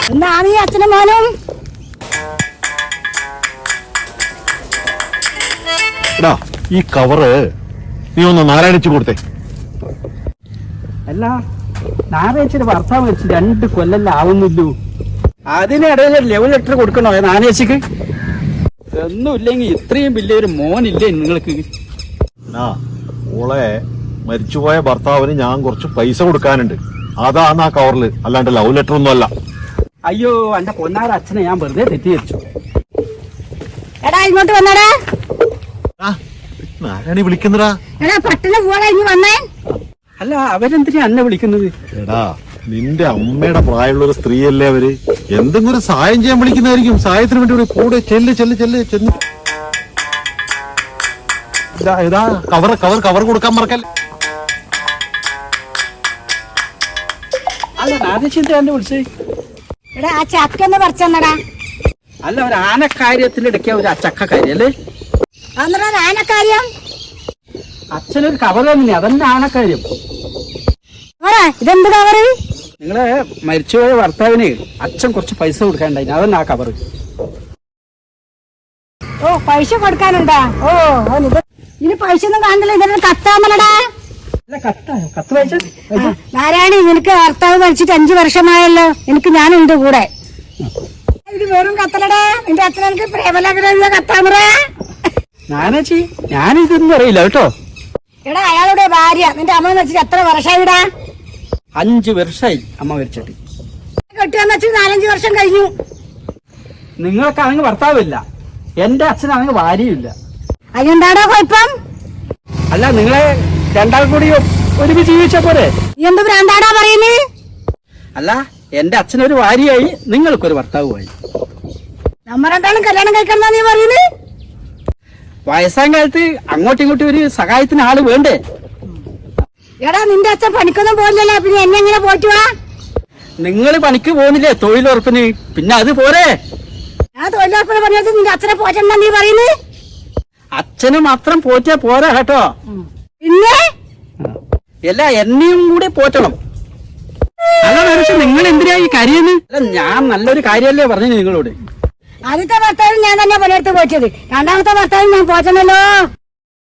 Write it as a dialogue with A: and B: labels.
A: എന്താണ് ഈ അച്ഛനും മോനും?
B: ഈ കവറ് നീ ഒന്ന് നാരായണിച്ചു കൊടുത്തേ.
C: അല്ല, നാരായച്ചിയുടെ ഭർത്താവ് വെച്ച് 2 കൊല്ലം ആവുന്നില്ലൂ. അതിനിടയിൽ ലവ് ലെറ്റർ കൊടുക്കണോ നാനേച്ചിക്ക്? ഒന്നുമില്ലെങ്കിൽ ഇത്രയും വലിയൊരു മോനില്ലേ നിങ്ങൾക്ക്?
B: ഓളെ മരിച്ചുപോയ ഭർത്താവിന് ഞാൻ കുറച്ച് പൈസ കൊടുക്കാനുണ്ട്, അതാണ് ആ കവറില്, അല്ലാണ്ട് ലവ് ലെറ്റർ ഒന്നും അല്ല.
C: അയ്യോ, എന്റെ പൊന്നാര അച്ഛനെ ഞാൻ വെറുതെ തെറ്റിദ്ധരിച്ചു.
A: എടാ ഇങ്ങോട്ട് വന്നടാ.
B: നാരായണി വിളിക്കുന്നടാ.
A: എടാ പട്ടണം പോവാടാ, ഇനി വന്നേ.
C: അല്ല, അവരെന്തിനാ എന്നെ വിളിക്കുന്നത്?
B: എടാ, നിന്റെ അമ്മയുടെ പ്രായമുള്ള ഒരു സ്ത്രീയല്ലേ അവര്, എന്തെങ്കിലും ഒരു സഹായം ചെയ്യാൻ വിളിക്കുന്നതായിരിക്കും. സഹായത്തിന് വേണ്ടി കൂടെ ചെല്ല് ചെന്ന് ഇതാ കവർ കൊടുക്കാൻ മറക്കല്ലേ.
C: അല്ല, നാനേച്ചിന്റെ എന്നെ വിളിച്ചേ.
A: എടാ ആ ചക്കൊന്ന് പറിച്ചെന്നടാ.
C: അല്ല, ഒരു ആനക്കാര്യത്തിലിടയ്ക്ക ഒരു ചക്കക്കാര്യം അല്ലേ?
A: അന്നേരം ആനക്കാര്യം
C: അച്ഛനൊരു കവർ തന്നെ, അതന്നെ ആനക്കാര്യം.
A: ഇതെന്ത് കവറ്?
C: നിങ്ങളെ മരിച്ചുപോയ ഭർത്താവിന് അച്ഛൻ കുറച്ച് പൈസ കൊടുക്കാനുണ്ടായി, അതന്നെ ആ കവർ.
A: ഓ, പൈസ കൊടുക്കാനുണ്ടാ? ഓ, ഇനി പൈസ ഒന്നും കാണില്ല, ഇതൊരു കത്താമലടാ.
C: അല്ല, കത്ത് വായിച്ച
A: നാരായണി, നിനക്ക് ഭർത്താവ് മരിച്ചിട്ട് 5 വർഷമായല്ലോ, എനിക്ക് ഞാനുണ്ട് കൂടെ. ഇത് വെറും കത്തലടാ, നിന്റെ അച്ഛൻ എനിക്ക് പ്രേമലാഗ്രഹ കത്താമറ.
C: നാനേച്ചി, ഞാനിതൊന്നും അറിയില്ല കേട്ടോ.
A: എടാ, അയാളുടെ ഭാര്യ നിന്റെ അമ്മ വെച്ചിട്ട് എത്ര വർഷമായിടാ?
C: 5 വർഷമായി അമ്മ മരിച്ചിട്ട്.
A: കെട്ടിയെന്ന് വെച്ച് 4-5 വർഷം കഴിഞ്ഞു.
C: നിങ്ങൾക്കാണെങ്കിൽ ഭർത്താവില്ല, എന്റെ അച്ഛനാണെങ്കിൽ ഭാര്യയില്ല.
A: അതെന്താടാ കുഴപ്പം?
C: അല്ല, നിങ്ങളെ രണ്ടാൾ കൂടി ഒരുമിച്ച് ജീവിച്ച പോലെ.
A: എന്ത് ഭ്രാന്താടാ പറയുന്നത്?
C: അല്ല, എന്റെ അച്ഛനൊരു ഭാര്യയായി, നിങ്ങൾക്കൊരു ഭർത്താവുമായി.
A: നമ്മ രണ്ടാളും കല്യാണം കഴിക്കണം നീ പറയുന്നത്?
C: വയസ്സാം കാലത്ത് അങ്ങോട്ടും ഇങ്ങോട്ടും ഒരു സഹായത്തിന് ആള് വേണ്ടേ?
A: എടാ, നിന്റെ അച്ഛൻ പണിക്കൊന്നും പോകില്ലല്ലോ, പിന്നെ എന്നെ എങ്ങനെ പോയിട്ട് വാ?
C: നിങ്ങൾ പണിക്ക് പോകുന്നില്ലേ തൊഴിലുറപ്പിന്, പിന്നെ അത് പോരെ?
A: ഞാൻ തൊഴിലുറപ്പിന് പറഞ്ഞത് നിന്റെ അച്ഛനെ പോറ്റണ്ട നീ പറയുന്നത്?
C: അച്ഛന് മാത്രം പോറ്റാ പോരാ കേട്ടോ,
A: പിന്നെ
C: അല്ല എന്നെയും കൂടി പോറ്റണം. അല്ല മനുഷ്യ, നിങ്ങൾ എന്തിനാ ഈ കരയുന്നത്? അല്ല, ഞാൻ നല്ലൊരു കാര്യമല്ലേ പറഞ്ഞു നിങ്ങളോട്.
A: ആദ്യത്തെ ഭർത്താവിന് ഞാൻ തന്നെ പണിയെടുത്ത് പോറ്റത്, രണ്ടാമത്തെ ഭർത്താവിന് ഞാൻ പോറ്റണല്ലോ.